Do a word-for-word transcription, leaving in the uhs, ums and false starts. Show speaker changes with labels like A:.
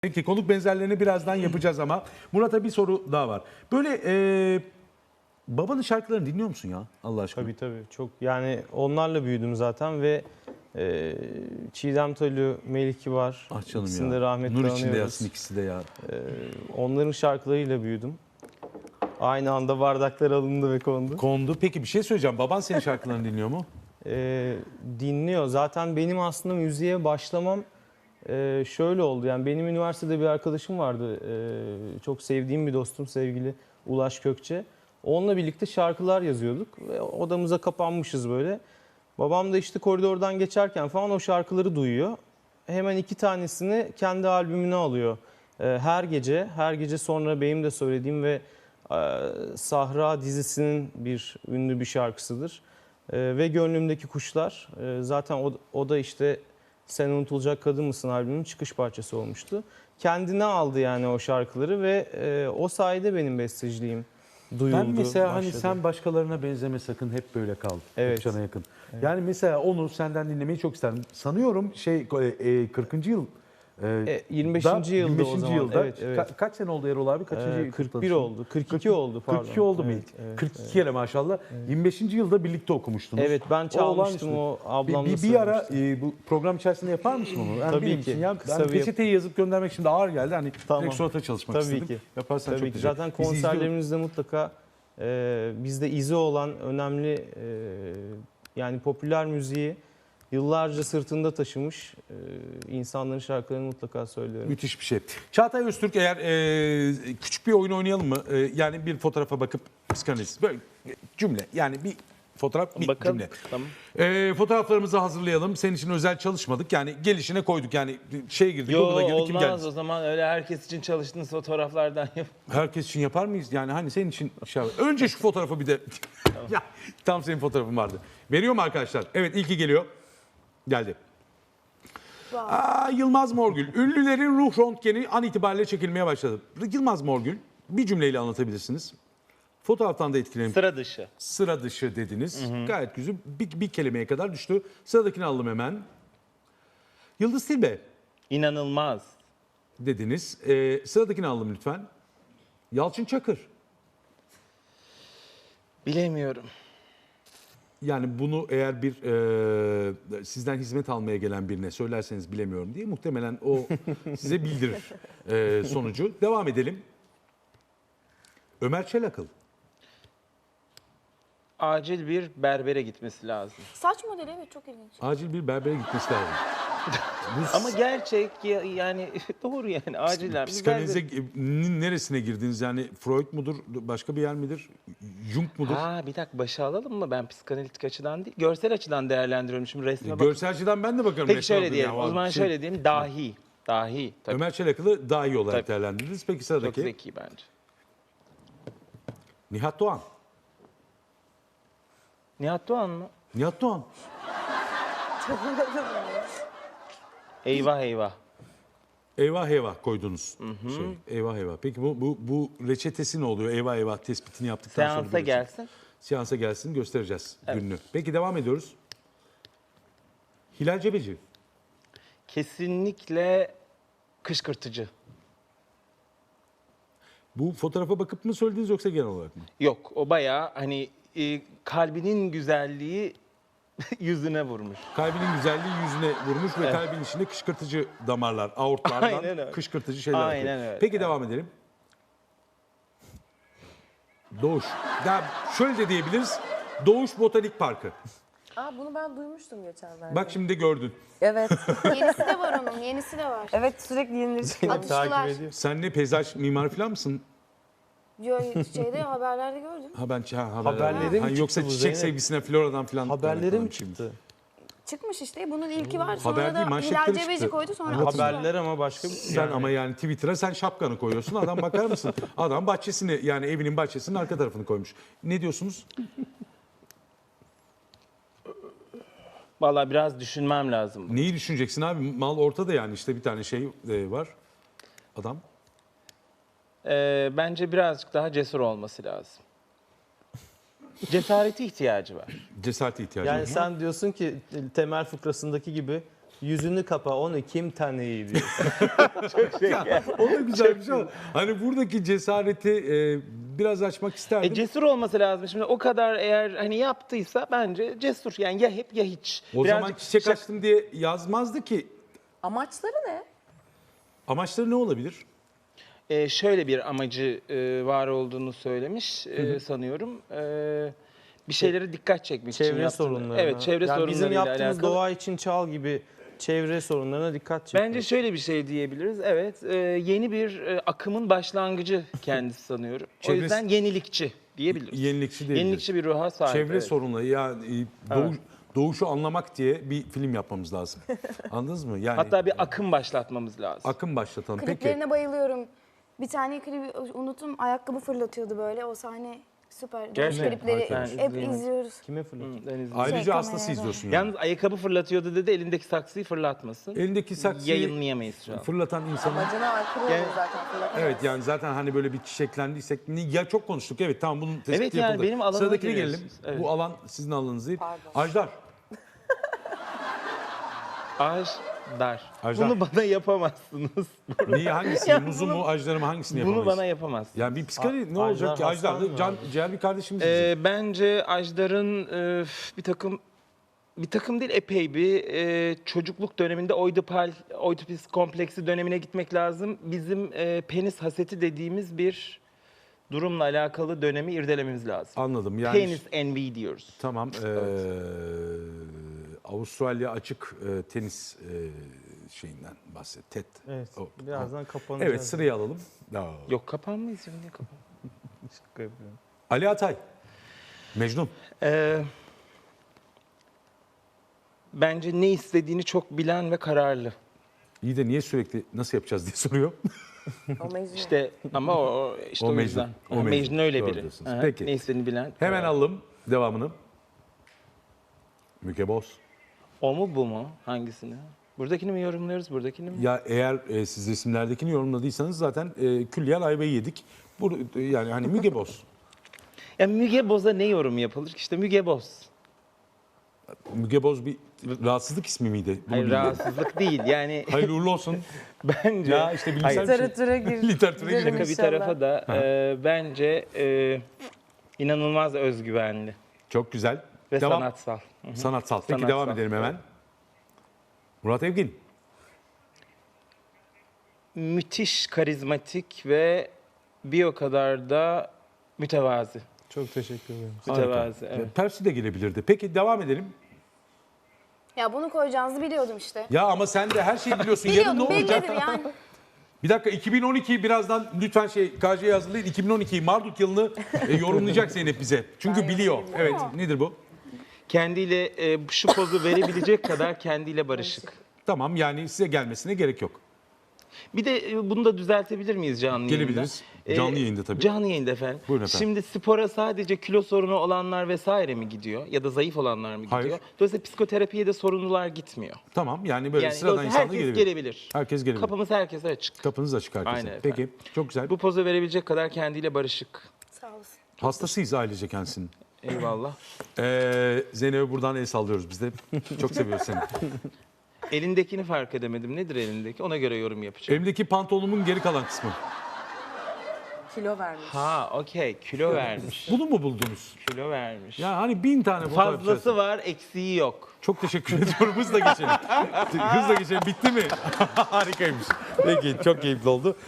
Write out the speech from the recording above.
A: Peki konuk benzerlerini birazdan yapacağız ama Murat'a bir soru daha var. Böyle e, babanın şarkılarını dinliyor musun ya Allah aşkına?
B: Tabii tabii. Çok yani onlarla büyüdüm zaten ve e, Çiğdem Tolu, Melih Kibar.
A: Ah canım
B: ikisini
A: ya.
B: de rahmetle
A: Nur içinde
B: anıyoruz.
A: yatsın ikisi de ya.
B: E, onların şarkılarıyla büyüdüm. Aynı anda bardaklar alındı ve kondu.
A: Kondu. Peki bir şey söyleyeceğim. Baban senin şarkılarını dinliyor mu?
B: E, dinliyor. Zaten benim aslında müziğe başlamam e, şöyle oldu. Yani benim üniversitede bir arkadaşım vardı. E, çok sevdiğim bir dostum, sevgili Ulaş Kökçe. Onunla birlikte şarkılar yazıyorduk ve odamıza kapanmışız böyle. Babam da işte koridordan geçerken falan o şarkıları duyuyor. Hemen iki tanesini kendi albümüne alıyor. Ee, Her gece, her gece sonra benim de söylediğim ve e, Sahra dizisinin bir ünlü bir şarkısıdır. Ee, Ve Gönlümdeki Kuşlar. Ee, Zaten o, o da işte Sen Unutulacak Kadın Mısın albümünün çıkış parçası olmuştu. Kendine aldı yani o şarkıları ve e, o sayede benim besteciliğim duyuldu.
A: Ben mesela
B: başladı.
A: hani sen başkalarına benzeme sakın hep böyle kal.
B: Evet.
A: Hep cana yakın. Yani mesela onu senden dinlemeyi çok isterim. Sanıyorum şey e, kırkıncı yıl e,
B: E, yirmi beşinci
A: da,
B: yılda
A: yirmi
B: o
A: beşinci
B: zaman.
A: yılda.
B: Evet, evet.
A: Ka- kaç sene oldu Erol abi? Kaçıncı
B: Ee,
A: yıl
B: kırk bir
A: kutladın?
B: oldu. kırk iki oldu pardon.
A: kırk iki oldu mu?
B: Evet, evet,
A: kırk iki
B: evet.
A: kere maşallah. yirmi beşinci yılda birlikte okumuştunuz.
B: Evet, ben çalmıştım,
A: olağanüstü.
B: o ablamla
A: Bir, bir, bir ara
B: söylemiştim.
A: e, bu program içerisinde yapar mısın onu? Yani
B: Tabii
A: benim
B: ki.
A: için ya,
B: Kısa
A: ben
B: bir yap-
A: peçeteyi yazıp göndermek şimdi ağır geldi. Hani
B: Tamam.
A: direkt surata çalışmak
B: Tabii
A: istedim.
B: ki.
A: Yaparsan
B: Tabii
A: çok
B: ki.
A: güzel.
B: Zaten
A: Bizi izliyor-
B: konserlerimizde mutlaka e, bizde izi olan önemli e, yani popüler müziği yıllarca sırtında taşımış e, insanların şarkılarını mutlaka söylüyorum.
A: Müthiş bir şey. Çağatay Öztürk eğer e, küçük bir oyun oynayalım mı? E, yani bir fotoğrafa bakıp psikanaliz. Böyle cümle yani bir fotoğraf bir
C: Bakalım.
A: cümle.
C: Tamam.
A: E, fotoğraflarımızı hazırlayalım. Senin için özel çalışmadık. Yani gelişine koyduk. Yani şey girdik.
C: Yo
A: Google'a girdik kim
C: olmaz
A: geldi.
C: o zaman öyle herkes için çalıştığınız fotoğraflardan yap.
A: Herkes için yapar mıyız? Yani hani senin için şey var. Önce şu fotoğrafı bir de. ya tam senin fotoğrafın vardı. Veriyor mu arkadaşlar? Evet ilki geliyor. Geldi. Aa, Yılmaz Morgül. Ünlülerin ruh röntgeni an itibariyle çekilmeye başladı. Yılmaz Morgül bir cümleyle anlatabilirsiniz. Fotoğraftan da etkilenip
C: Sıra dışı.
A: sıra dışı dediniz. Gayet güzel. Bir, bir kelimeye kadar düştü. Sıradakini alalım hemen. Yıldız Tilbe
C: İnanılmaz.
A: dediniz. Ee, sıradakini alalım lütfen. Yalçın Çakır.
C: Bilemiyorum.
A: Yani bunu eğer bir e, sizden hizmet almaya gelen birine söylerseniz bilemiyorum diye muhtemelen o size bildirir e, sonucu. Devam edelim. Ömer Çelakıl.
C: Acil bir berbere gitmesi lazım.
D: Saç modeli evet çok ilginç.
A: Acil bir berbere gitmesi lazım. Bu
C: Ama gerçek ya- yani doğru yani acilen. bir
A: psikanalize
C: berber-
A: e, neresine girdiniz? Yani Freud mudur? Başka bir yer midir? Jung mudur?
C: Ha bir dakika başa alalım mı? Ben psikanalitik açıdan değil, görsel açıdan değerlendiriyorum. Şimdi resme bak.
A: Görselciden ben de bakarım.
C: Peki
A: resme
C: şöyle
A: bakıyorum
C: diyelim.
A: ya.
C: O zaman
A: Şey,
C: şöyle diyelim. Dahi. Dahi. Tabii.
A: Ömer Çelakıl'ı daha iyi olarak
C: Tabii.
A: değerlendirdiniz. Peki
C: Çok
A: sıradaki.
C: zeki bence.
A: Nihat Doğan.
C: Nihat Doğan mı?
A: Nihat Doğan.
C: Eyvah eyvah.
A: Eyvah eyvah koydunuz. Şey, eyvah eyvah. Peki bu, bu, bu reçetesi ne oluyor? Eyvah eyvah tespitini yaptıktan sonra.
C: Seansa
A: bu reçete-
C: gelsin.
A: Seansa gelsin göstereceğiz
C: Evet.
A: gününü. Peki devam ediyoruz. Hilal Cebeci.
C: Kesinlikle kışkırtıcı.
A: Bu fotoğrafa bakıp mı söylediniz yoksa genel olarak mı?
C: Yok o bayağı hani e, kalbinin güzelliği yüzüne vurmuş.
A: Kalbinin güzelliği yüzüne vurmuş ve
C: Evet.
A: kalbin içinde kışkırtıcı damarlar, aortlardan
C: Aynen öyle.
A: kışkırtıcı şeyler
C: Aynen
A: akıyor.
C: öyle.
A: Peki devam edelim. Doğuş. Ya şöyle de diyebiliriz. Doğuş Botanik Parkı.
D: Aa bunu ben duymuştum geçenlerde.
A: Bak şimdi de gördün.
D: Evet. yenisi de var onun, yenisi de var.
E: Evet sürekli yenileri çıkıyor.
D: Atıştılar.
B: Takip ediyor.
A: Sen ne peyzaj mimar falan mısın?
D: Yo, şeyde haberlerde gördüm.
A: Ha ben ha, haberler.
B: Haberlere mi
A: Ha, yoksa
B: çıktı bu
A: çiçek
B: Zeynep?
A: sevgisine floradan falan.
B: Haberlere mi
A: Şimdi.
B: çıktı?
D: Çıkmış işte bunun ilki var. Sonra
A: Haber değil,
D: da
A: manşetleri
D: Hilal Cebeci
A: çıktı.
D: koydu sonra atıştılar.
B: Haberler ama başka bir
A: Sen ama yani Twitter'a sen şapkanı koyuyorsun. Adam bakar mısın? Adam bahçesini yani evinin bahçesinin arka tarafını koymuş. Ne diyorsunuz?
C: Vallahi biraz düşünmem lazım.
A: Neyi düşüneceksin abi? Mal ortada yani işte bir tane şey e, var. Adam.
C: Ee, bence birazcık daha cesur olması lazım. Cesarete ihtiyacı var.
A: Cesarete ihtiyacı
B: Yani
A: var.
B: sen diyorsun ki temel fıkrasındaki gibi Yüzünü kapa, onu kim tanıyı diyor.
A: O da güzel bir şey ama hani buradaki cesareti e, biraz açmak isterdim.
C: E, cesur olması lazım. Şimdi o kadar eğer hani yaptıysa bence cesur. Yani ya hep ya hiç.
A: o
C: Birazcık
A: zaman çiçek
C: şak-
A: açtım diye yazmazdı ki.
E: Amaçları ne?
A: Amaçları ne olabilir?
C: e, şöyle bir amacı e, var olduğunu söylemiş e, sanıyorum. E, bir şeylere dikkat çekmek için
B: Çevre
C: yaptığını-
B: sorunlarına.
C: Evet, çevre
B: Yani
C: sorunlarıyla
B: bizim yaptığımız
C: alakalı.
B: doğa için çal gibi çevre sorunlarına dikkat çekiyor.
C: Bence şöyle bir şey diyebiliriz. Evet, e, yeni bir e, akımın başlangıcı kendisi sanıyorum. O
A: Çevresi-
C: yüzden yenilikçi diyebiliriz.
A: Yenilikçi değil.
C: Yenilikçi bir ruha sahip.
A: Çevre
C: evet.
A: sorunları yani e, doğuş- doğuşu anlamak diye bir film yapmamız lazım. Anladınız mı? Yani
C: Hatta bir akım başlatmamız lazım.
A: akım başlatalım. Peki.
D: Kliplerine bayılıyorum. Bir tane klibi unuttum. Ayakkabı fırlatıyordu böyle. O sahne süper. Dövüş
C: Gerçekten.
D: klipleri
C: Ben
D: hep
C: izleyemedim.
D: izliyoruz.
B: Kime fırlatıyor?
C: Hı, ben izledim.
A: Ayrıca
D: Şey,
A: hastası
D: kamerada.
A: izliyorsun yani.
C: Yalnız ayakkabı fırlatıyordu dedi, elindeki saksıyı fırlatmasın.
A: Elindeki saksıyı
C: Yayınlayamayız şu an.
A: fırlatan insanın.
E: Amacına aykırı
C: Yani-
E: olur zaten. fırlatamaz.
A: Evet yani zaten hani böyle bir çiçeklendiysek ya çok konuştuk. Evet tamam bunun tespiti
C: Evet, yani
A: yapıldı.
C: benim alanıma
A: Sıradakine gelelim.
C: giriyorsunuz. Evet.
A: Bu alan sizin alanınız değil.
E: Pardon.
A: Ajdar.
C: Ağaç dar.
A: Ajdar.
C: Bunu bana yapamazsınız.
A: Niye hangisini?
C: Ya
A: Muzu
C: bunu-
A: mu ajdarı mı hangisini
C: Bunu
A: yapamayız?
C: bana yapamazsınız.
A: Yani bir psikoloji ne
B: A-
A: olacak ki?
B: Ajdar
A: Ajdar
B: hastan
A: can,
B: mı
A: ciğer bir kardeşimiz bizim.
C: Ee, bence Ajdar'ın e, bir takım bir takım değil epey bir e, çocukluk döneminde oidipal oidipus kompleksi dönemine gitmek lazım. Bizim e, penis haseti dediğimiz bir durumla alakalı dönemi irdelememiz lazım.
A: Anladım yani.
C: Penis envy diyoruz.
A: Tamam. eee, Avustralya açık e, tenis e, şeyinden bahset. TED.
B: Evet.
A: O-
B: Birazdan kapanacağız.
A: Evet sırayı alalım. Aa.
C: Yok kapanmayız ya, niye kapan?
B: Şaka yapıyorum.
A: Ali Atay. Mecnun.
C: Ee, bence ne istediğini çok bilen ve kararlı.
A: İyi de niye sürekli nasıl yapacağız diye soruyor.
E: O mecnun.
C: İşte ama o, o- işte
A: O
C: o,
A: Mecnun.
C: yüzden.
A: O
C: Mecnun,
A: Mecnun.
C: öyle
A: Doğru
C: biri.
A: diyorsunuz.
C: Aha,
A: Peki.
C: Ne istediğini bilen.
A: Hemen
C: kararlı.
A: alalım devamını. Müge Boz.
C: O mu bu mu? Hangisini? Buradakini mi yorumluyoruz, buradakini mi?
A: Ya eğer e, siz resimlerdekini yorumladıysanız zaten e, külliyen ayvayı yedik. Bu, yani hani Müge Boz.
C: Ya Müge Boz'a ne yorum yapılır? İşte Müge Boz.
A: Müge Boz bir rahatsızlık ismi miydi? Bunu
C: Hayır,
A: bilmiyorum.
C: rahatsızlık değil. Yani
A: Hayırlı uğurlu olsun.
C: bence
A: Ya işte bilimsel
C: Hayır,
A: bir şey.
E: Literatüre gir.
A: Literatüre
E: girelim
A: girelim.
C: şaka bir
E: inşallah.
C: tarafa da e, bence e, inanılmaz özgüvenli
A: Çok güzel.
C: ve
A: devam.
C: sanatsal.
A: Sanatsal. Peki
C: Sanatsal.
A: devam edelim hemen. Murat Evgin.
C: Müthiş karizmatik ve bir o kadar da mütevazi.
B: Çok teşekkür ederim.
C: Mütevazi,
A: Harika.
C: evet.
A: Persi de gelebilirdi. Peki devam edelim.
D: Ya bunu koyacağınızı biliyordum işte.
A: Ya ama sen de her şeyi biliyorsun. Yarın ne
D: Biliyordum,
A: olacak?
D: bellidir yani.
A: Bir dakika iki bin on iki birazdan lütfen şey K J'ye hazırlayın. iki bin on iki Marduk yılını e, yorumlayacak Zeynep bize. Çünkü biliyor. Evet nedir bu?
C: Kendiyle e, şu pozu verebilecek kadar kendiyle barışık.
A: Tamam yani size gelmesine gerek yok.
C: Bir de e, bunu da düzeltebilir miyiz canlı yayında?
A: Gelebiliriz. Canlı yayında tabii.
C: Canlı yayında efendim.
A: Buyurun efendim.
C: Şimdi spora sadece kilo sorunu olanlar vesaire mi gidiyor? Ya da zayıf olanlar mı gidiyor?
A: Hayır.
C: Dolayısıyla psikoterapiye de sorunlular gitmiyor.
A: Tamam yani böyle
C: Yani
A: sıradan
C: dolayısıyla
A: insanlar
C: herkes
A: gelebilir.
C: gelebilir.
A: Herkes gelebilir.
C: Kapımız herkese açık.
A: Kapınız açık herkese.
C: Aynen
A: Peki
C: efendim.
A: çok güzel.
C: Bu pozu verebilecek kadar kendiyle barışık.
D: Sağ olasın.
A: Hastasıyız ailece kendisinin.
C: Eyvallah.
A: Ee, Zeynep'e buradan el sallıyoruz biz de. Çok seviyoruz seni.
C: Elindekini fark edemedim. Nedir elindeki? Ona göre yorum yapacağım.
A: Elimdeki pantolonumun geri kalan kısmı.
E: Kilo vermiş.
C: Ha, okey. Kilo vermiş.
A: Bunu mu buldunuz?
C: Kilo vermiş.
A: Ya hani bin tane fotoğraf
C: Fazlası
A: içerisinde.
C: var, eksiği yok.
A: Çok teşekkür ediyorum. Hızla geçelim. Hızla geçelim. Bitti mi? Harikaymış. Peki çok keyifli oldu.